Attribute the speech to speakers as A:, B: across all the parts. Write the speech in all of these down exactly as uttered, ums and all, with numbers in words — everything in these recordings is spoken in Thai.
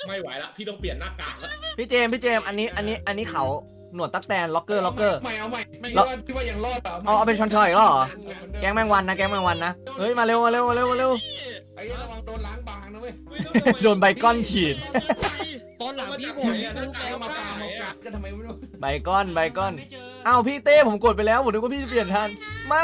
A: ไม่ไหวละพี่ต้องเปลี่ยนหน้ากากแล้ว
B: พี่เจมส์พี่เจมส์อันนี้อันนี้อันนี้เขาหนวดตั๊กแตนล็อกเกอร์ล็อกเกอร์
A: ไม่เอาใหม่ไม่
B: แล้ว
A: ว่าพี่ว่ายังรอดเปล่า
B: เอาเอาเป็นชอนชอยอีกแล้วเหรอแก๊งแมงวันนะแก๊งแมงวันนะเฮ้ยมาเร็วมาเร็วมาเร็วมาเร็ว
A: ไอ้ระวังโดนล้างบางนะเว้ย
B: โดนใบก้อนฉีด
C: ตอนหลังพี่บ
A: ผ
C: อ
A: ม
C: ก
A: เนี่
C: เนี่ย ย
A: หน้ากากเอามาตามมากัดกันทำไมไม่รู้
B: ใบก้อนใบก้อนอ้าวพี่เต้ผมกดไปแล้วผมนึกว่าพี่จะเปลี่ยนทันไม่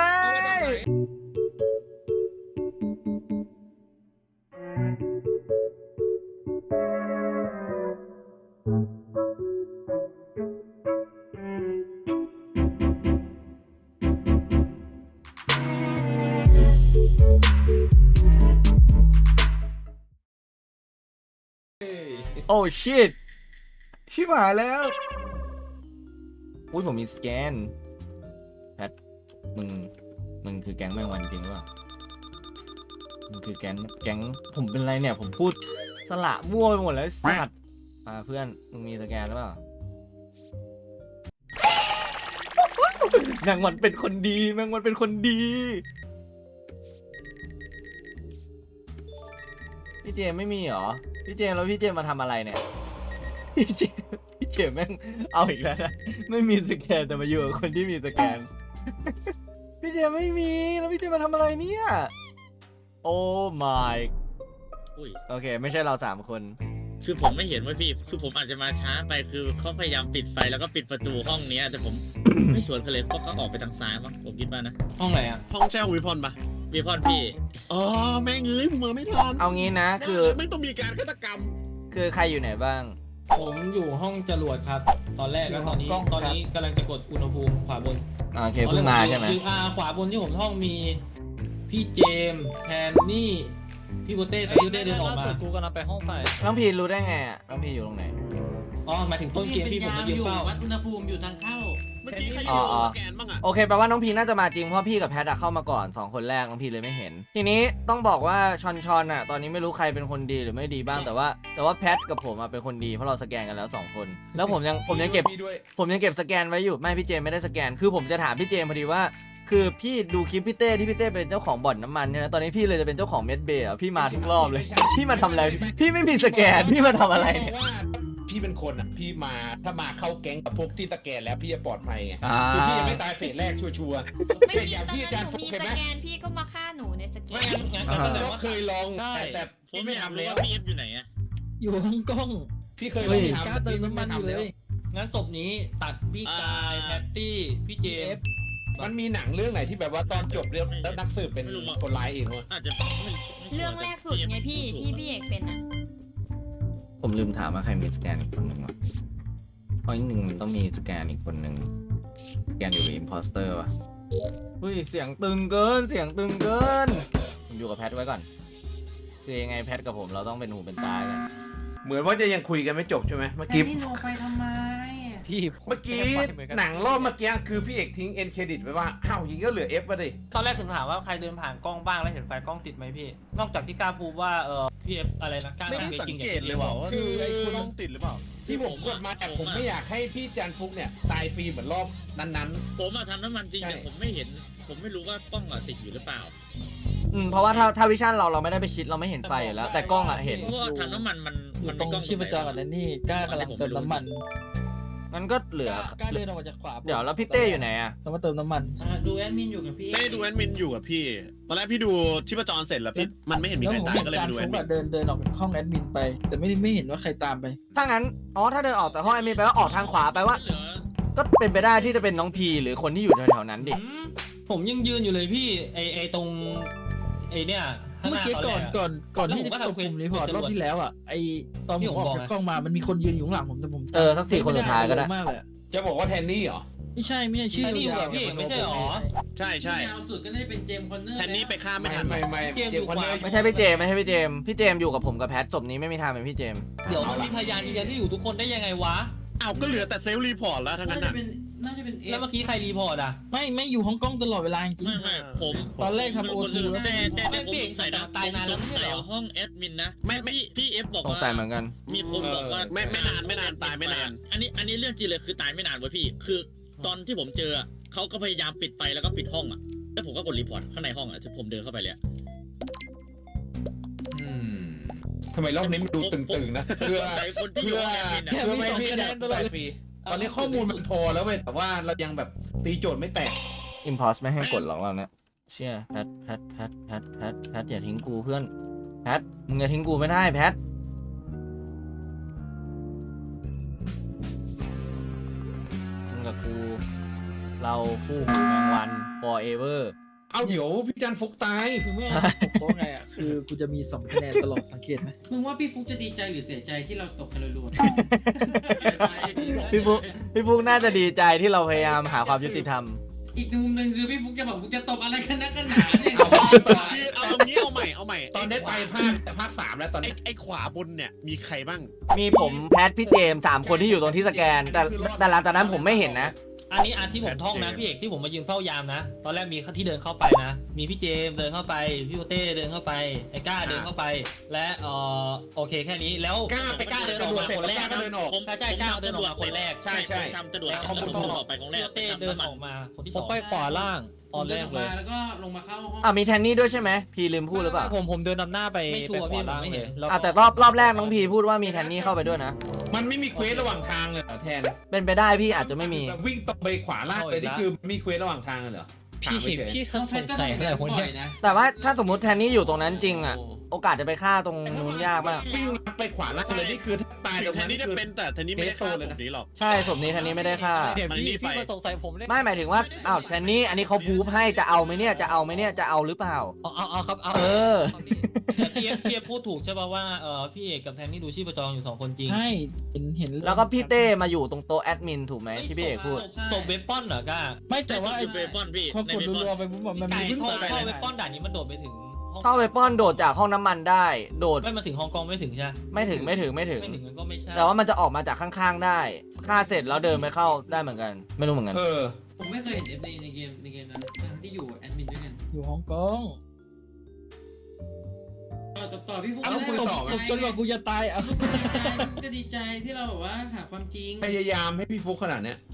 B: โอ้ชิตชิบหายแล้วอุ้ยผมมีสแกนแพทมึงมึงคือแก๊งแมงวันจริงหรือเปล่ามึงคือแก๊งแก๊งผมเป็นไรเนี่ยผมพูดสละมั่วไปหมดแล้วไอ้สัตว์อ่าเพื่อนมึงมีสแกนหรือเปล่าแมงวันเป็นคนดีแมงวันเป็นคนดีพี่เจมไม่มีเหรอพี่เจมแล้วพี่เจมมาทำอะไรเนี่ยพี่เจมพี่เจมแม่งเอาอีกแล้วนะไม่มีสแกนแต่มาอยู่กับคนที่มีสแกน พี่เจมไม่มีแล้วพี่เจมมาทำอะไรเนี่ยโอ้ my
D: อุ้ย
B: โอเคไม่ใช่เราสามคน
D: คือผมไม่เห็นว่าพี่ คือผมอาจจะมาช้าไป คือเขาพยายามปิดไฟแล้วก็ปิดประตูห้องเนี้ยแต่ผม ไม่สวนเขาเลยเพราะเขาออกไปทางซ้ายมั้งผมคิดว่านะ
C: ห้องไหนอ่ะ
E: ห้องแช่ของวิพรปะ
D: วีพอนพี่
E: อ๋อแม่งเอ้ยมึงมาไม่ทัน
B: เอางี้นะคือ
E: ไม่ต้องมีการฆาตกรรม
B: คือใครอยู่ไหนบ้าง
C: ผมอยู่ห้องจรวดครับ ตอนแรกแล้วตอนนี้
B: กล้อง
C: ตอนนี้กำลังจะกดอุณหภูมิขวาบน
B: อ่าโอเคเพิ่งมาใช่ไหม
C: คืออาขวาบนที่ผมท่องมีพี่เจมส์แทนนี่พี่โบเต้แต่พี่โบเต้เดินออกมากูกำลังไปห้องไฟ
B: น้องพีรู้ได้ไงอ่ะน้องพีอยู่ตรงไหน
C: อ๋อหมายถึงต้นเกมพี่ผมมายืนเฝ้า
F: วัดอุณหภูมิอยู่ทางเข้า
E: เมื่อกี้ใครอ
B: อ๋
E: ยู่
B: อ
E: สแกนบ้างอะ
B: โอเคแปลว่าน้องพีน่าจะมาจริงเพราะพี่กับแพทอะเข้ามาก่อนสองคนแรกน้องพีเลยไม่เห็น ทีนี้ต้องบอกว่าชอนชอนอะตอนนี้ไม่รู้ใครเป็นคนดีหรือไม่ดีบ้างแต่ว่า แต่ว่าแพทกับผมอะเป็นคนดีเพราะเราสแกนกันแล้วสองคน แล้วผมยังผมยังเก็บ
A: พี่ด้วย
B: ผมยังเก็บสแกนไว้อยู่ไม่พี่เจมไม่ได้สแกนคือผมจะถามพี่เจมพอดีว่า คือพี่ดูคลิปพี่เต้ที่พี่เต้เป็นเจ้าของบ่อนน้ำมันใช่ไหมตอนนี้พี่เลยจะเป็นเจ้าของเม็ดเบย์อะพี่มาทุกรอบเลย พี่มาทำอะไรพี่ไม่มีสแกนพี่มาทำอะไรเนี่ย
A: ว่าพี่เป็นคนอ่ะพี่มาถ้ามาเข้าแก๊งกับพวกที่สแกนแล้วพี่จะปลอดภัยไง
B: อ่า
A: คือพี่ยังไม่ตายเฟสแรกชัวร์
G: ไม่
A: แต่
G: มี
A: อย่าง
G: ตอน
A: ที่
G: นั้
A: อาน จารย์
G: หนู
A: ฟุก
G: มี
A: เห็น
G: ส
A: ไหม
G: แกนพี่ก็มาฆ่าหนูในสแก
C: ไม่
G: น
C: งั้นงั้นก็แสดง
A: ก็
C: ว่า
A: เคยลอง
C: ใช่
A: แต่แต่
D: ผม
A: พี่ไม่
D: อยาก
A: ทำ
D: รู้
A: แล้ว
D: ว่าพี่เอฟอยู่ไหนอะ
C: อยู่ห้องกล้อง
A: พี่เคยล
B: เฮ้
A: อง
B: ย
A: ทำแต่พี่ไม่ทำแล้ว
C: งั้นศพนี้ตัดพี่กายแพตตี้พี่เจมส์
A: มันมีหนังเรื่องไหนที่แบบว่าตอนจบเรื่องแล้วนักสืบเป็นคนร้ายเองวะ
D: อาจจะไม่ไม่
G: เรื่องแรกสุดไงพี่ที่พี่เอกเป็นอ่ะ
B: ผมลืมถามว่าใครมีสแกนอีกคนหนึ่งวะเพราะอีกหนึ่งมันต้องมีสแกนอีกคนหนึ่งสแกนอยู่กับอิมพอสเตอร์วะเฮ้ยเสียงตึงเกินเสียงตึงเกินผมอยู่กับแพทไว้ก่อนคือยังไงแพทกับผมเราต้องเป็นหูเป็นตากัน
A: เหมือนว่าจะยังคุยกันไม่จบใช่ไหมเมื่อกี้
F: พี่หนูไปทำไม
C: พี่
A: เมื่อกี้หนังรอบเมื่อกี้คือพี่เอกทิ้งเอ็นเครดิตไว้ว่าอ้าวยิงก็เหลือเอฟมาดิ
C: ตอนแรกถึงถามว่าใครเดินผ่านกล้องบ้างแล้วเห็นไฟกล้องติดไหมพี่ นอกจากที่กล้าพูดว่าเออพี่เอฟอะไรนะกล้า
E: ไม่ได้สังเกตเลยว่าว่า
A: คือไอ้คน
E: กล้องติดหรือเปล่า
A: ที่ผมกดมาแต่ผมไม่อยากให้พี่จันฟุกเนี่ยตายฟรีเหมือนรอบนั้น
D: ผมมาทำน้ำมันจริง
A: ใช่
D: แต่ผมไม่เห็น ผมไม่รู้ว่ากล้องอะติดอยู่หรือเปล่า
B: อืมเพราะว่าถ้าถ้าวิชั่นเราเราไม่ได้ไปชิดเราไม่เห็นไฟอยู่แล้ว แต่กล้องอะเห็น
D: เพราะว่าทำน้ำมันมัน
H: อยู่
D: มัน
H: ตร
D: มี
H: ง
D: กล้อง
H: ชีพจรกับแนนนี่กล้ากำลังเติมน้ำมัน
B: งั้นก็เหลือก
H: ล้าเดินออกมาจากขวา
B: เดี๋ยวแล้วพี่เต้อยู่ไหนอะ
H: แล้วมาเติมน้ำมัน
F: อ่าดูแอดมินอยู่กับพี่
E: เต้ดูแอดมินอยู่กับพี่ ตอนแรกพี่ดูชีพจรเสร็จแล้วพี่มันไม่เห็นมี
H: แล้ว
E: ใคร
H: ผม
E: ตาย
H: เห็น
E: ก็เลย
H: การ
E: ไปดูแอ
H: ฟุ
E: ด
H: ก
E: มิ
H: อะ
E: น
H: เดินเดินออกจากห้องแอดมินไป แต่ไม่ได้ไม่เห็นว่าใครตามไป
B: ถ้างั้นอ๋อถ้าเดินออกจากห้องแอดมินไปว่าออกทางขวาไปว่า
D: เหลือ
B: ก็เป็นไปได้ที่จะเป็นน้องพีหรือคนที่อยู่แถวๆนั้นดิ
C: อืมผมยังยืนอยู่เลยพี่ไอไอตรงไอเนี่ยข้างห
H: เมื่อ
C: น้า
H: กี้
C: ตอน
H: ก่
C: แร
H: อน
C: ก
H: ก่อนก่อน
C: แล้ว
H: ที่
C: ผมก็
H: จะ
C: ทำ
H: กดปุ่มรีพอร์ต
C: เควส
H: รอบที่แล้วอ่ะไอตอน
C: ที่
H: ผ
C: ผม ม
H: ออก
C: บอก
H: จาก
C: ไง
H: กล้องมามันมีคนยืนอยู่ข้างหลังผมแต่ผม
B: เออสักสี่คนสุดท้ายก็ได้
H: มากเลย
A: ๆ จะบอกว่าแทนนี่เหรอ
H: ไม่ใช่ไม่ใช่ชื่อ
C: แทนนี่อยู่
H: ยา
C: กับ
H: ว
C: พี่ไม่ใช่หรอ
E: ใช่ใช่
F: ที่ยาวสุดก็น่าจะเป็นเจมส์คอนเนอร์
E: แทนนี่ไปฆ่าไม่
A: ไม่
E: ทัน
A: ไม่ไม่
C: เกม
A: เจ
C: อยู่
A: มส์คอนเนอร์
C: ขวา
B: ไม่ใช่พี่เจมส์ไม่ใช่พี่เจมส์พี่เจมส์อยู่กับผมกับแพทศพนี้ไม่มีทางเป็นพี่เจมส์
C: เดี๋ยวมันมีพยานยืนยันที่อยู่ทุกคนได้ยังไงวะ
E: เอาก็เหลือแต่เซลล์รีพอร์ตแล้วทั้ง
F: น่า
E: นั้น
F: จะ
E: อ่ะ
F: เป็นน่าจะเป็นเอ
C: แล้ว
F: ฟ
C: เมื่อกี้ใครรีพอร์ตอ่ะ
H: ไม่ไม่อยู่ห้องกล้องตลอดเวลาจริง
D: ไม่ไม่ผม
H: ตอนแรกทำ OT แล้ว
D: แต่แต่แต่ผม
C: ไม่
D: สงสัยนะ
C: ตายนานแล้ว
D: ผมสงสัย
C: ไม่ใช่เหรอ
D: ห้องแอดมินนะ
E: ไม่ไม่
D: พี่พี่เอฟบอก
B: สง
D: ว่า
B: สัยเหมือนกัน
D: มีคนบอกว่า
E: ไม่ไม่นานไม่นานตายไม่นาน
D: อันนี้อันนี้เรื่องจริงเลยคือตายไม่นานเว้ยพี่ คือตอนที่ผมเจออะเขาก็พยายามปิดไฟแล้วก็ปิดห้องอ่ะแล้วผมก็กดรีพอร์ตข้างในห้องอ่ะที่ผมเดินเข้าไปเลยอะ
A: อืมทำไมรอบนี้มันดูตึงๆนะเพื่อ
D: ใส่คนที่อยู่
A: เพื่อ
D: ในแอดมินอะ
A: เพื่อไม่ให้พี่ได้ได้ฟรีตอนนี้ข้อมูลมันพอแล้วเว้ยแต่ว่าเรายังแบบตีโจทย์ไม่แตก
B: อิมพอสไม่ให้กดหรอกเราเนี่ยเชี่ยแพทแพทแพทแพทแพทแพทอย่าทิ้งกูเพื่อนแพทมึงอย่าทิ้งกูไม่ได้แพทมึงกับกูเราคู่หูแมงวัน forever
A: เอาเดี๋ยวพี่จันฟุกตาย
H: คือไม่ตกโต๊ะไงอ่ะคือกูจะมีสองคะแนนตลอดสังเกตไหม
F: มึงว่าพี่ฟุกจะดีใจหรือเสียใจที่เราตกกันรัว
B: พี่ฟุกพี่ฟุกน่าจะดีใจที่เราพยายามหาความยุติธรรม
F: ๆอีกมุมหนึ่งคือพี่ฟุกจะบอกมึงจะตบอะไรกันนักกันหนาเนี่ย
A: เอาว่าไป
E: พี่เอาเอางี้เอาใหม่เอาใหม่
A: ตอนนี้ไปภาคแต่ภาคสามแล้วตอน
E: ไอ้
A: นี้
E: ไอ้ขวาบนเนี่ยมีใครบ้าง
B: มีผมแพทพี่เจมส์สามคนที่อยู่ตรงที่สแกน แต่แต่หลังจากนั้นผมไม่เห็นนะ
C: อันนี้อันที่ผมท่องนะพี่เอกที่ผมมายืนเฝ้ายามนะ ตอนแรกมีที่เดินเข้าไปนะ มีพี่เจมส์เดินเข้าไปพี่โอเต้เดินเข้าไปไอ้ก้าเดินเข้าไป และเออโอเคแค่นี้แล้ว
A: กล้าไปกล้าเดินออกมาคนแรกก็เดินออก
D: ผม
C: ใช่ใช่ก้าเดินออกมาคนแรก
A: ใช่ใช่
D: ผมทำกระโดด
C: แล้ว
D: ทำกระโดดออกไปคนแร
C: พี่
D: ก
C: โอเต้เดินออกมาคนที่ส
I: ผ
C: อ
I: ม
C: ง
I: ไปขวาล่างตอนแร
F: เดิน
I: ก
F: ออก
I: เล
F: มาย แล้วก็ลงมาเข้าห้อง
B: อ่ะมีแทนนี่ด้วยใช่ไหมพีลืมพูดหรือเปล่า
I: ผมผมเดินนำหน้าไป
C: ไม่ชัวร์
I: ไปข
C: พี่
I: วา
C: ผม
I: ล่าง
C: ไม่
I: เล
C: เห็
I: ย
C: น
I: แล้ว
B: อ่ะแต่รอบรอบแรกน้องพีพูดว่ามีแทนนี่เข้าไปด้วยนะ
A: มันไม่มีเควสระหว่างทางเลยเหรอแทน
B: เป็นไปได้พี่อาจจะไม่มี
A: แบบวิ่งตรงไปขวาล่างเลยนี่คือมีเควสระหว่างทางเลยเหรอ
I: พี่
A: ถามเฉย
I: พี่
F: น้องแพ
I: ส
F: ท
I: ง
F: ก็
I: สั
F: ต้
I: ย
F: อง
I: อะไร
F: เดิน
I: คน
F: บ่
I: เนี้
F: อย ยนะ
B: แต่ว่าถ้าสมมติแทนนี่อยู่ตรงนั้นจริงอ่ะ โอกาสจะไปฆ่าตรงนู้นยากมาก
A: วิ่งไปขวาล่างเลยนี่คือถ้าตายตรง
E: แทน
A: นั้น
E: นี่จะ
A: คือ
E: เป็นแต่แทนนี่ไม่ได้ฆ่าศพนี้หรอก
B: ใช่ศพนี้แทนนี่ไม่ได้ฆ่า
I: เดี๋ยว
E: มัน
I: พี่
E: นี่ไป
I: พี่มาสงสัยผมเลย
B: ไม่หมายถึงว่าอ้าวแทนนี่อันนี้เขาพูฟให้จะเอาไหมเนี่ยจะเอาไหมเนี่ยจะเอาหรือเปล่า
I: เอาเอาเอาครับเอา
B: เออ
C: แต่พี่เอฟพี่เอฟพูดถูกใช่ป่ะว่าเออพี่เอกกับแทนนี่ดูชีพจรอยู่สองคนจริง
H: ใช่เห็นเห็น
B: แล้วก็พี่เต้มาอยู่ตรงโต๊ะแอดมินถูกไหมที่พี่เอกพูด
C: ศพเวปอนเหรอก้า
H: ไม่แต่ว่า
D: แต่ว่า
H: ไอ้
D: เบปอนพี่
H: พอ
D: ใน
H: กด
D: เบปอน
H: รัวๆไปปุ๊บอะมัน
C: ไก่
H: มี
C: ท่อ
H: ไป
C: ท่อ
H: ไหน
C: เวปอนด่านนี้มันโดดไปถึงห้อง
B: เข้าไปป้อนโดดจากห้องน้ำมันได้ โดด
C: ไม่มาถึงฮ่องกงไม่ถึงใช่ไหม
B: ไม่ถึงไม่ถึงไม่ถึง
C: ไม่ถึงมันก็ไม่ใช่
B: แต่ว่ามันจะออกมาจากข้างๆได้ฆ่าเสร็จแล้วเดินไปเข้าได้เหมือนกัน ไม่รู้เหมือนกัน
A: เออ
F: ผมไม่เคยเห็นเอฟในในเกมในเกมนั้นทั้งที่อยู่แอดมินด้วยกัน
H: อยู่ฮ่องกง
F: ต่อต่อต่อพี่ฟุก
A: เอา
F: จะ
A: คุย
F: ได้
A: ต่อไหม
F: ดีใจ
H: จนกว่ากูจะตายอ่ะ
F: พี่ฟุกจะดีใจที่เราแบบว่าหาความจริง
A: พยายามให้พี่ฟุกขนาดเนี้ย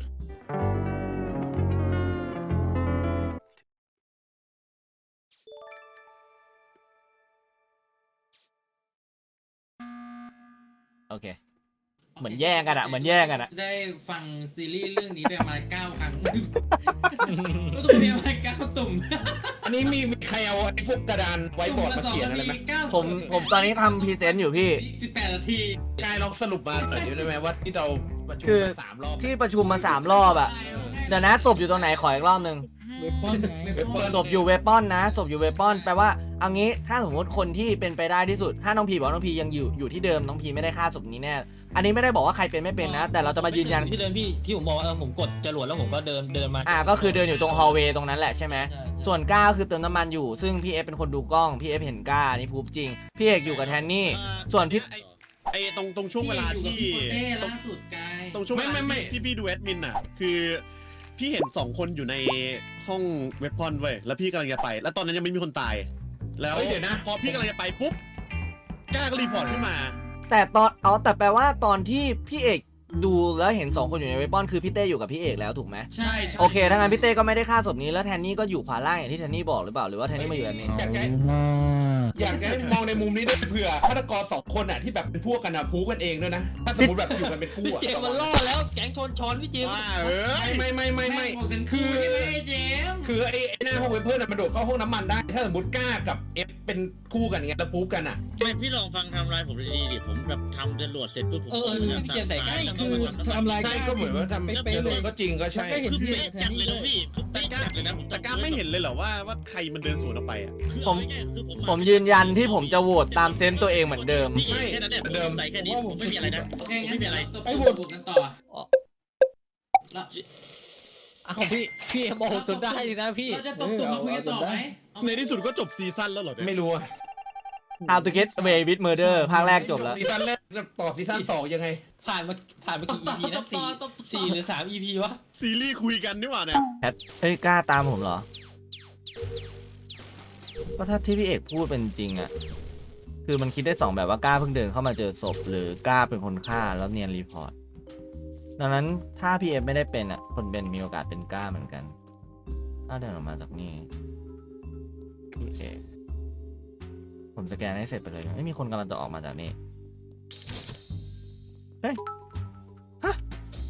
B: โอเค เหมือนแย่งกันอะเหมือนแย่งกันอะ
F: ได้ฟังซีรีส์เรื่องนี้ไปประมาณเก้าครั้งก็ต้องมีประมาณเก้าตุ่ม
A: อันนี้มีมีใครเอาไอ้พวกกระดานไว้บอร์ดมาเขียนอะไรไหม
B: ผมผมตอนนี้ทำพรีเซนต์อยู่พี่
F: สิบแปดนาที
A: กายลองสรุปมาหน่อยได้ไหมว่าที่เราประชุม
B: คือ
A: มาสามรอบ
B: ที่ประชุมมาสามรอบอะเดี๋ยวนะศพอยู่ตรงไหนขออีกรอบหนึง
H: เวปอนไง
A: เว็บเปิด
B: ศพอยู่เวปอนนะศพอยู่เวปอนแปลว่าเอางี้ถ้าสมมติคนที่เป็นไปได้ที่สุด ถ้าน้องพีบอกน้องพียังอยู่อยู่ที่เดิมน้องพีไม่ได้ฆ่าศพนี้แน่อันนี้ไม่ได้บอกว่าใครเป็นไม่เป็นนะ แต่เราจะมายืนยัน
C: ที่เดินพี่ที่ผมบอกว่าเออผมกดจรวดแล้วผมก็เดินเดินมา
B: อ่าก็คือเดินอยู่ตรงฮอลเวย์ตรงนั้นแหละใช่ไหม
C: ใช่
B: ส่วนก้าคือเติมน้ำมันอยู่ซึ่งพี่เอฟเป็นคนดูกล้องพี่เอฟเห็นก้านี่พูดจริงพี่เอกอยู่กับแทนนี่ ส่วนพี่
E: ไอ้ไอ้ตรงตรงช่วงเวลาที่
F: พี่อยู่กับพี่โปเต้
E: ตรง
F: ล่าสุดกาย
E: ตรงช่วงเวลาที่ที่พี่ดูแอดมินอ่ะ คือพี่เห็นสองคนอยู่ในห้องเว็บพอนเว้ยแล้วพี่กำลังจะไป แล้วตอนนั้นยังไม่มีคนตาย แล้ว
A: เฮ้ยเดี๋ยวนะ
E: พอพี่กำลังจะไปปุ๊บกล้าก็รีพอร์ตขึ้นมา
B: แต่ตอนเอาแต่แปลว่าตอนที่พี่เอกดูแล้วเห็นสองคนอยู่ในเวปอนคือพี่เต้อยู่กับพี่เอกแล้วถูกไหม
F: ใช่
B: โอเคถ้างั้นพี่เต้ก็ไม่ได้ฆ่าศพนี้แล้วแทนนี่ก็อยู่ขวาล่างอย่างที่แทนนี่บอกหรือเปล่าหรือว่าแทนนี่มาอยู่แบบนี้
A: อยากจะอยากจะให้มองในมุมนี้ด้วยเผื่อฆาตกรสองคนอ่ะที่แบบเป็นพวกกันอ่ะพูกันเองด้วยนะ ถ้าสมมติแบบอยู่กันเป็นคู่
C: พี่
A: อ่ะ
C: เจมส์มันล่อแล้วแก๊งชนช้อนพี่เจมส์
E: ว่าเอ้ย
A: ไม่ไม่ไม่ไม่
F: บอกเป็น
A: คื
F: คู่
A: อ
F: ใช่ไหมเจมส์
A: คือไอ้ไอ้หน้าห้องเวเพิ่นมันโดดเข้าห้องน้ำมันได้ ถ้าสมมติก้ากับเอฟเป็นคู่กันไงแล้วพูกันอ่ะ
D: ไม่พี่ลองฟังไทำลายผมดีๆดิผมแบบทำจรวดเสร็จปุ๊บผม
C: เออเออใช่พี่เจมส์ใส่ใกล้
H: คือทำลาย
A: ใช่ก็เหมือนว่าทำ
H: เป๊ะ
A: เอ
H: ๆเลย
A: อก็จริงก็ใช่
H: ก็เห็น
D: คือ
H: พี่
D: เป๊ะจัดเลยนะพี่คือเป๊ะจัดเลยนะผม
E: แต่กล้าไม่เห็นเลยเหรอว่าว่าใครมันเดินสวนออกไปอ่ะ
B: ผมผมยืนยันที่ผมจะโหวตตามเซนต์ตัวเองเหมือนเดิม
D: พี่แค่นั้นเนี่ยผมใส่แค่นี้ผมไม่มีอะไรนะ
F: โอเคงั้นเดี๋ยวเราตบ
H: ไอ้
F: ต
H: โหวต
F: บกันต่อแล้ว
I: อ้าวพี่พี่โมโหจนได้นะพี่
F: เราจะตบตบมาคุยกันต่อไหมเอาไหม
E: ในที่สุดก็จบซีซั่นแล้วเหรอเนี่ย
A: ไม่รู้อะ
B: How to Get Away with Murder ภาคแรกจบแล้ว
A: ซีซั่นแรกต่อซีซั่นสองยังไง
C: ผ่านมาผ่านมากี่ อี พีนะสี่สี่หรือสาม อี พีวะ
E: ซีรีส์คุยกันนี่หว่าเนี่ย
B: แพทเฮ้ยกล้าตามผมเหรอ ก็ถ้าที่พี่เอกพูดเป็นจริงอะคือมันคิดได้สองแบบว่ากล้าเพิ่งเดินเข้ามาเจอศพหรือกล้าเป็นคนฆ่าแล้วเนียนรีพอร์ต ดังนั้นถ้าพี่เอฟไม่ได้เป็นอะคนเป็นมีโอกาสเป็นกล้าเหมือนกัน ถ้าเดินออกมาจากนี่พี่เอกผมสแกนให้เสร็จไปเลยไม่มีคนกำลังจะออกมาจากนี่เฮ้ยฮะ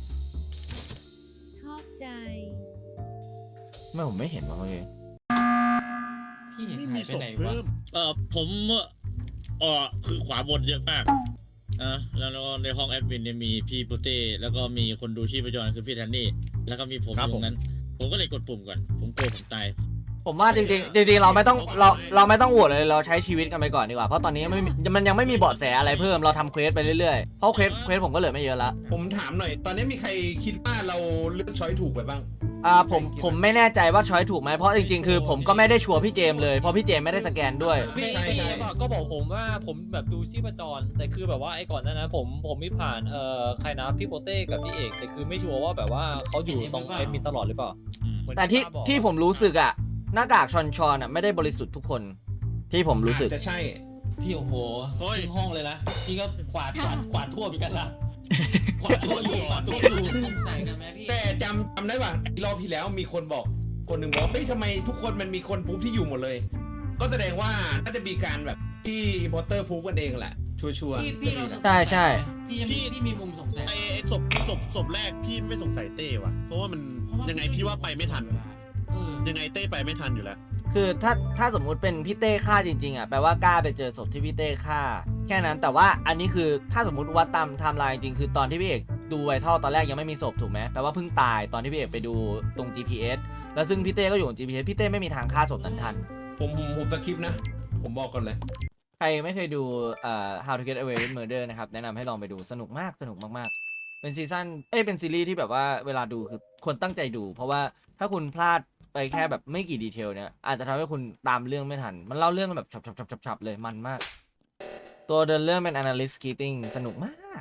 G: ชอบใจ
B: ไม่ผมไม่เห็นว่ะเมื่อกี้
C: พี่เอก
E: ไม่
C: หา
E: มี
C: ยไป
E: ศพ
C: ไหน
E: เพิ่
C: วะ
E: ม
D: เออผมเออคือขวาบนเยอะมากอ่ะแล้วก็ในห้องแอดมินเนี่ยมีพี่ปุเต้แล้วก็มีคนดูชีพจรคือพี่แทนนี่แล้วก็มีผมอยู่ตรงนั้น ผมก็เลยกดปุ่มก่อนผมกลัวผมตาย
B: ผมว่าจริงๆจริงๆเราไม่ต้องเราเราไม่ต้องโหวตเลยเราใช้ชีวิตกันไปก่อนดีกว่าเพราะตอนนี้ไม่มีมันยังไม่มีเบาะแสอะไรเพิ่มเราทำเควสไปเรื่อยๆเพราะเควสเควสผมก็เหลือไม่เยอะละ
A: ผมถามหน่อย ตอนนี้มีใครคิดว่าเราเลือกช้อยถูกไปบ้าง
B: อ่าผมผมไม่แน่ใจว่าช้อยถูกไหมเพราะจริงๆคือผมก็ไม่ได้ชัวร์พี่เจมส์เลยเพราะพี่เจมส์ไม่ได้สแกนด้วย
I: พี่
A: ใช่
I: พี่
A: ใช่
I: เอฟอะก็บอกผมว่าผมแบบดูชีพจรแต่คือแบบว่าไอ้ก่อนหนั้นนะผมผมไม่ผ่านเอ่อใครนะพี่โปเต้กับพี่เอกแต่คือไม่ชัวร์ว่าแบบว่าเขาอยู่ตรงเอ็มมินตลอดหรือเปล่า
D: อืม
I: เหมือน
B: แต่ที่
I: ป้าบอก
B: ที่ผมรู้สึกอะหน้ากากชอนชอนอะไม่ได้บริสุทธิ์ทุกคนที่ผมรู้สึก
A: อาจจะใช่
C: พี่โอ้โห
E: เฮ้ย
C: ครึ่งห้องเลยนะพี่ก็กวาดกวาดกวาดทั่วเหมือนกันนะกวาดทั่วอยู่กวาดทั่วอยู่
F: สงสัยกันไหมพี่
A: แต่จำจำได้ป่ะรอบที่แล้วมีคนบอกคนหนึ่งบอกเฮ้ยทำไมทุกคนมันมีคนพูฟที่อยู่หมดเลย ก็แสดงว่าน่าจะมีการแบบที่พอตเตอร์พูฟกันเองแหละ ชัวร์
F: พี่
A: ๆ
F: พี่เราสงสัย
B: ใช่ใช่
F: พี่ยังมีพี่มีมุมสงสัย
E: ไอ้ไอ้ศพศพศพแรกพี่ไม่สงสัยเต้ว่ะ เพราะว่ามันยังไงพี่ว่าไปไม่ทัน
F: เออ
E: ยังไงเต้ไปไม่ทันอยู่แล้ว
B: คือถ้าถ้าสมมุติเป็นพี่เต้ฆ่าจริงๆอ่ะแปลว่ากล้าไปเจอศพที่พี่เต้ฆ่าแค่นั้นแต่ว่าอันนี้คือถ้าสมมติว่าตามไทม์ไลน์จริงๆคือตอนที่พี่เอกดูไวทัลตอนแรกยังไม่มีศพถูกไหมแปลว่าเพิ่งตายตอนที่พี่เอกไปดูตรง จี พี เอส แล้วซึ่งพี่เต้ก็อยู่บน จี พี เอส พี่เต้ไม่มีทางฆ่าศพนั้นทัน
A: ผมผมผมสคริปต์นะ ผมบอกก่อนเลย
B: ใครไม่เคยดูเอ่อ How to Get Away with Murder นะครับแนะนำให้ลองไปดูสนุกมากสนุกมากๆเป็นซีซั่นเอ้ยเป็นซีรีส์ที่แบบว่าเวลาดูคือควรตั้งใจดู เพราะว่าถ้าคุณพลาดไปแค่แบบไม่กี่ดีเทลเนี่ยอาจจะทำให้คุณตามเรื่องไม่ทัน มันเล่าเรื่องแบบฉับๆๆๆเลยมันมาก ตัวเดินเรื่องเป็น analyst keating สนุกมาก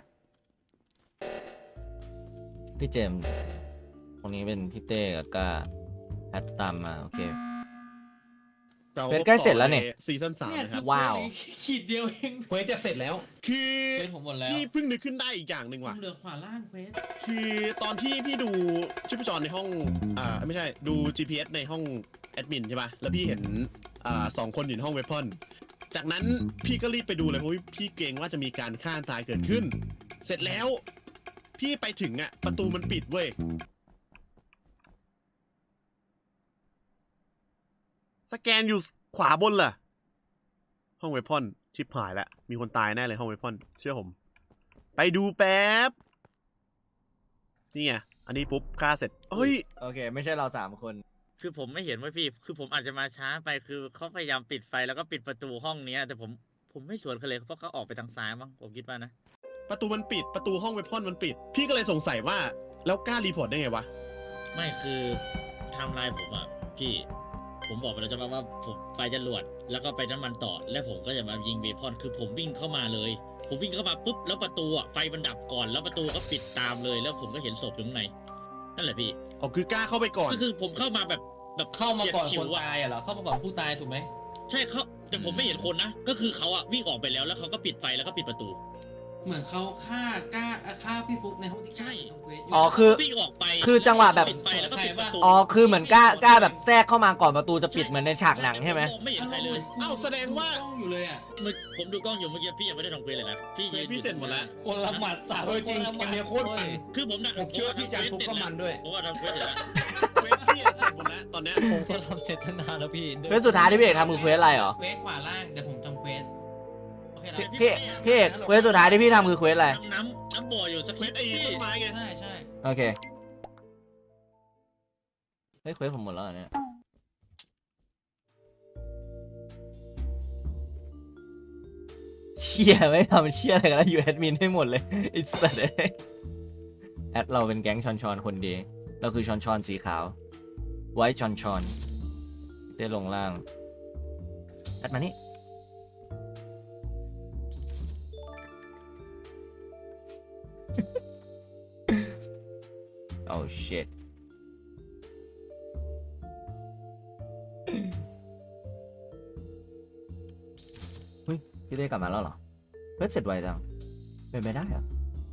B: พี่เจมส์ตรงนี้เป็นพี่เต้กับกาแอดตามมาโอเค เป็นใกล้เสร็จแล้วเนี่ย
E: ซีซั่นสาม
F: เนี่ย
E: นะค
F: คื
E: รั
F: อบ
B: ว้าว
F: ขีดเดียวเอง
A: เควสจะเสร็จแล้ว
E: คือ
C: เป็นผมหมดแล้ว
E: พี่เพิ่งนึกขึ้นได้อีกอย่างหนึ่ง
F: ผ
E: ว่ะ
F: มเหลือขวาล่างเควส
E: คือตอนที่พี่ดูชิปจรในห้อง อ่าไม่ใช่ดู จี พี เอส ในห้องแอดมินใช่ป่ะ แล้วพี่เห็น อ่าสองคนอยู่ในห้องเวพอนจากนั้นพี่ก็รีบไปดูเลยเพราะพี่เกรงว่าจะมีการฆ่าตายเกิดขึ้น เสร็จแล้ว พี่ไปถึงอ่ะประตูมันปิดเว้ย สแกนอยู่ขวาบนล่ะ ห้องเวพอนชิปหายแล้วมีคนตายแน่เลยห้องเวพอนเชื่อผม ไปดูแป๊บ นี่ไง อันนี้ปุ๊บฆ่าเสร็จเฮ้ย
B: โอเค ไม่ใช่เราสามคน
D: คือผมไม่เห็นว่าพี่ คือผมอาจจะมาช้าไป คือเขาพยายามปิดไฟแล้วก็ปิดประตูห้องเนี้ย แต่ผม ผมไม่สวนเขาเลยเพราะเขาออกไปทางซ้ายมั้ง ผมคิดว่านะ
E: ประตูมันปิด ประตูห้องเวพอนมันปิด พี่ก็เลยสงสัยว่า แล้วกล้ารีพอร์ตได้ไงวะ
D: ไม่คือไทม์ไลน์ผมอะพี่ ผมบอกไปแล้วจะว่าว่าผมไฟจรวดแล้วก็ไปน้ำมันต่อ แล้วผมก็จะมายิงเบพอน คือผมวิ่งเข้ามาเลย ผมวิ่งเข้ามาปุ๊บ แล้วประตูอะไฟมันดับก่อน แล้วประตูก็ปิดตามเลย แล้วผมก็เห็นศพอยู่ข้างใน นั่นแหละพี่
E: อ๋อ คือกล้าเข้าไปก่อน
D: ก็คือผมเข้ามาแบบแบบ
C: เข้ามาก่อน
D: ฉี
C: ค
D: ยด
C: น
D: ฉิวอะ
C: ตายอ่ะเหรอเข้ามาก่อนผู้ตายถูกไหม
D: ใช่เขาแต่ผมไม่เห็นคนนะ ก็คือเขาอะวิ่งออกไปแล้วแล้วเขาก็ปิดไฟแล้วก็ปิดประตู
F: เหมือนเขาฆ่ากล้าฆ่าพี่ฟุกในห้องที่
D: ใช่
F: ทำเควสยู่
B: อ๋อคือ
D: วิ่งออกไป
B: คือจังหวะแบบ
D: ปิดไฟแล้วก็ปิดประตู
B: อ๋อคือเหมือนกล้ากล้าแบบแทรกเข้ามาก่อนประตูจะปิดเหมือนในฉากหนังใช่ไหม
D: ผมไม่เห็นใครเลย
E: เอ้าแสดงว่า
F: กล้องอยู่เลยอ่ะ
D: เมื่อผมดูกล้องอยู่เมื่อกี้พี่ยังไม่ได้ทำเควสเลยนะพี่ยืน
E: พี่เสร็จหมดแล้ว
C: คนละหมัดสาม
A: เออจริง
C: คนละห
A: เก
C: มั
A: ม
C: ด
A: เนี้ยโคตรมัน
D: คือผมนะ
A: ผมเชื่อว่าพี่จานฟุกก็มันด้วย
D: ผมว่าทำเควสเสร็จแล้ว
E: เวทพี่อะเสร็จหมดแล้วตอนเนี้ย
I: ผมก็ทำเสร็จตั้งนานแล้วพี่
B: เควสสุดท้ายที่พี่เอกทำคือเควสอะไรเหรอ
F: เควสขวาล่างเดี๋ยวผมทำเควสโอเคนะ
B: พี่พี่พี่เอกเควสสุดท้ายที่พี่ทำคือเควสอะไร
D: น้ำน้ำบ่ออยู่สัก
E: เว
D: นิด
E: ทไอ้ต้นไม้ไง
F: ใช่ใช่
B: โอเคเฮ้ยเควสผมหมดแล้วเหรอเนี่ยเชี่ยไม่ทำเชี่ยอะไรกันแล้วอยู่แอดมินให้หมดเลยไอ้สัตว์เอ้ยแอดเราเป็นแก๊งชอนชอนคนดีเราคือชอนชอนสีขาวไว้ชอนชอนได้ลงล่างแอดมานี่ oh shit เฮ้ยพี่เต้กลับมาแล้วเหรอเฮ้ยเสร็จไวจังเป็นไปได้เหรอ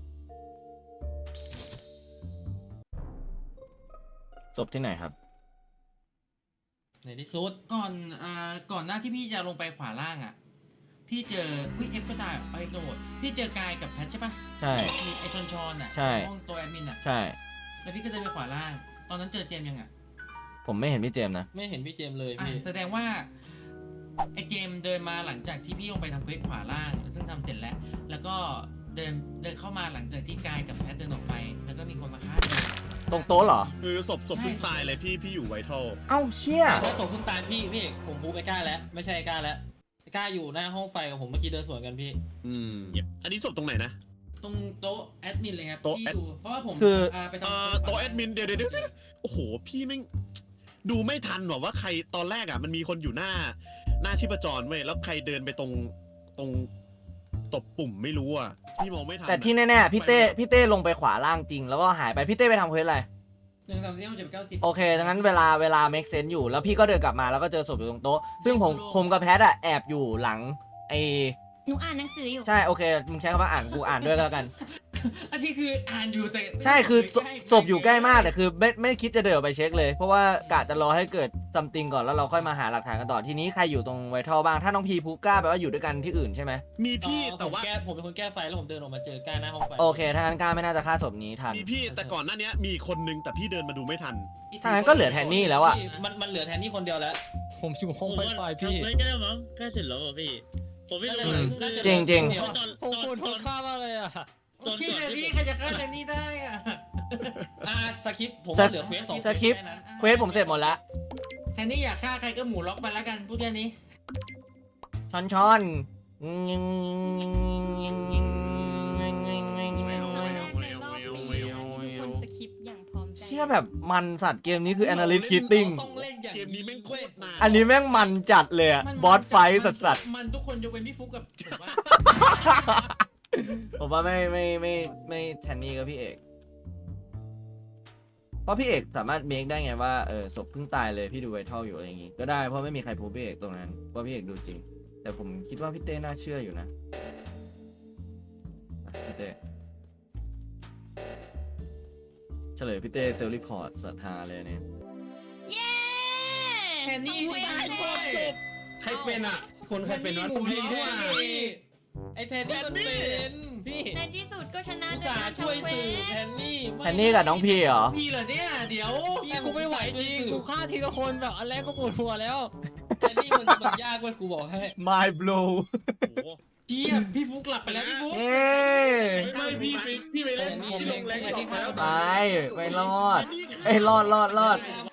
B: จบที่ไหนครับ
C: ในที่สุด
F: ก่อนอ่าก่อนหน้าที่พี่จะลงไปขวาล่างอ่ะพี่เจอวิเอฟก็ได้ไปโดดพี่เจอกายกับแพทใช่ปะ
B: ใช่
F: มีไอชอนชอนอ่ะ
B: ใช่
F: ห้องตัวแอดมินอ่ะ
B: ใช่
F: แล้วพี่ก็เดินไปขวาล่าง ตอนนั้นเจอเจมส์ยังอ่ะ
B: ผมไม่เห็นพี่เจมส์นะ
C: ไม่เห็นพี่เจมส์เลย
F: อ่ะ
C: พี่
F: แสดงว่าไอเจมส์เดินมาหลังจากที่พี่ลงไปทำเควสขวาล่าง ซึ่งทำเสร็จแล้ว แล้วก็เดินเดินเข้ามาหลังจากที่กายกับแพทเดินออกไป แล้วก็มีคนมาฆ่าเจมส์
B: ตรงโต๊ะเหรอ
E: คือศพศพเพิ่งตายเลยพี่พี่อยู่ไวท์เทล
B: เอ้าเชี่ย
C: แล้วส่งคุณตาลพี่พี่ผมพูดไอ้ก้าแล้วไม่ใช่ไอ้ก้าแล้วไอ้ก้าอยู่หน้าห้องไฟกับผมเมื่อกี้เดินสวนกันพี่
E: อืมอันนี้ศพตรงไหนนะ
F: ตรงโต๊ะแอดมินเลยครับ
E: โต๊ะ
F: ที่
E: แอด
F: ดูเพราะว่าผม
B: คือ
F: าไปทำ
E: เอ่อ
F: ควสขวา
E: โต๊ะแอดมินเดี๋ยวเดี๋ยวเดี๋ยวโอ้โหพี่แม่งดูไม่ทันหรอว่าใครตอนแรกอ่ะมันมีคนอยู่หน้า หน้าชีพจรเว้ยแล้วใครเดินไปตรงตรงตบปุ่มไม่รู้อ่ะพี่มองไม่ทัน
B: แต่ที่แน่ๆพี่เต้พี่เต้ลงไปขวาล่างจริง แล้วก็หายไปพี่เต้ไปทำเควสอะไร
F: หนึ่งสามสี่ห้าหกเจ็ดแปดเก้าสิบ
B: โอเคดังนั้นเวลาเวลา make sense อยู่แล้วพี่ก็เดินกลับมาแล้วก็เจอศพอยู่ตรงโต๊ะซึ่งผม
F: โซโล่
B: ผมกับแพทอะแอบอยู่หลังไอ
G: หนูอ่านหนังสืออยู่
B: ใช่โอเคมึงใช้คำว่าอ่านกูอ่านด้วยก็แล้วกัน
F: อันที่คืออ่านอยู่แต่
B: ใช่คือศ
F: ใกล้
B: ศพอยู่ใกล้มากแต่คือไม่ไม่คิดจะเดินออกไปเช็คเลย เพราะว่ากะจะรอให้เกิดซัมติงก่อนแล้วเราค่อยมาหาหลักฐานกันต่อทีนี้ใครอยู่ตรงไวท์เทลบ้างถ้าน้องพีพูก้าแปลว่าอยู่ด้วยกันที่อื่นใช่ไหม
E: มีพี่
C: เอ่อ
E: แต่ว่า
C: ผมแก้ผมเป็นคนแก้ไฟแล้วผมเดินออกมาเจอก้าหน้าห้องไฟ
B: โอเคถ้างั้นก้าไม่น่าจะฆ่าศพนี้ทัน
E: มีพี่แต่ก่อนหน้านี้มีคนนึงแต่พี่เดินมาดูไม่ทัน
B: ถ้างั้นก็เหลือแทนนี่แล้วอะ
C: พี่มันมันเหลือแทนนี่คนเดียวแล้ว
I: ผมอยู่ห้อง
D: ผม
I: ไฟ
D: ว่า
I: ไฟพี่
D: ทำไม่ได้มั้งใกล้เสร็จแล้วอ่ะพี่ ผมไม่รู้
C: อืม
D: คือ
B: จริงจริง
D: ตอนตอน
I: ผมปวด
D: ต
I: ท้อ
D: อง น
I: ข้ามากเลยอ่ะ
D: ตอน
F: พี่
D: ก่อน
F: แทน
D: ที่
F: นี่
D: ผม
F: ใครจะฆ่าแทนนี่ได้อ่ะ
C: อ่าสคริปต์ผม
B: ส
C: ว่าเหลือเควสสอง
B: สคริปต์
C: แนั้น
B: เควสผมเสร็จหมดแล้ว
F: แทนนี่อยากฆ่าใครก็หมูล็อกไปแล้วกันพูดแค่นี้
B: ช้อนช้อน
G: ครั้งแรกในรอบปีทุกคนสคริปต์อย่างพร้อมใจ
B: เชื่อแบบมันสัตว์เกมนี้คือ analyst cheating
F: ต้องเล่นอย่าง
E: เกมนี้แม่งโคตรนาน
B: อันนี้แม่งมันจัดเลยอะ
F: มัน
B: บอสไฟท์สัสสัส
F: มันทุกคนยกเว้นพี่ฟุกกับผมว่า
B: ๆผมว่าไม่ไม่ไม่ไม่แทนนี่กับพี่เอก เพราะพี่เอกสามารถเมคได้ไงว่าเออศพเพิ่งตายเลยพี่ดูไวท์เทลอยู่อะไรอย่างงี้ก็ได้เพราะไม่มีใครพูดพี่เอกตรงนั้นเพราะพี่เอกดูจริง แต่ผมคิดว่าพี่เต้น่าเชื่ออยู่นะอ่ะพี่เต้เฉลยพี่เต้เซลล์รีพอร์ตศรัทธาเลยเนี่ย
G: เย้
F: แทนนี่
G: ทำเว
F: ได้
G: ท
F: จบ
G: เลย
A: ใครเป็นอ่ะ คนใครเป็นวะ
F: หมูล็อก
A: พี่
F: อ่ะ
C: ไอ้แทนนี่มันเป็น
I: พี่
G: ในที่สุดก็ชนะ
C: อุต
G: ด้วย
C: ส่า
G: การ
C: ห์ช่วย
G: ทำเว
C: สื่อ
G: ท
C: แทนนี่
B: แทนนี่กับน้องพีเหรอ
F: พี่เหรอเนี่ยเดี๋ยว
I: พี่กูไม่ไหวจริงกูฆ่าทีละคนแบบอันแรกก็ปวดหัวแล้ว
C: แทนนี่มันมันยากเว้ยกูบอกให้
B: My blow
E: โอ้โห
F: เจี๊ยบพี่ฟุกหลับไปแล้วพี่ฟุก
B: เอ้ย
F: ไม่พี่ไปพี่ไปเล่น
C: ผม
F: พี่ลงแรง
C: ผม
F: สองแล้ว
B: ไปไม่รอดไอ้ยรอดรอดรอด
F: ไ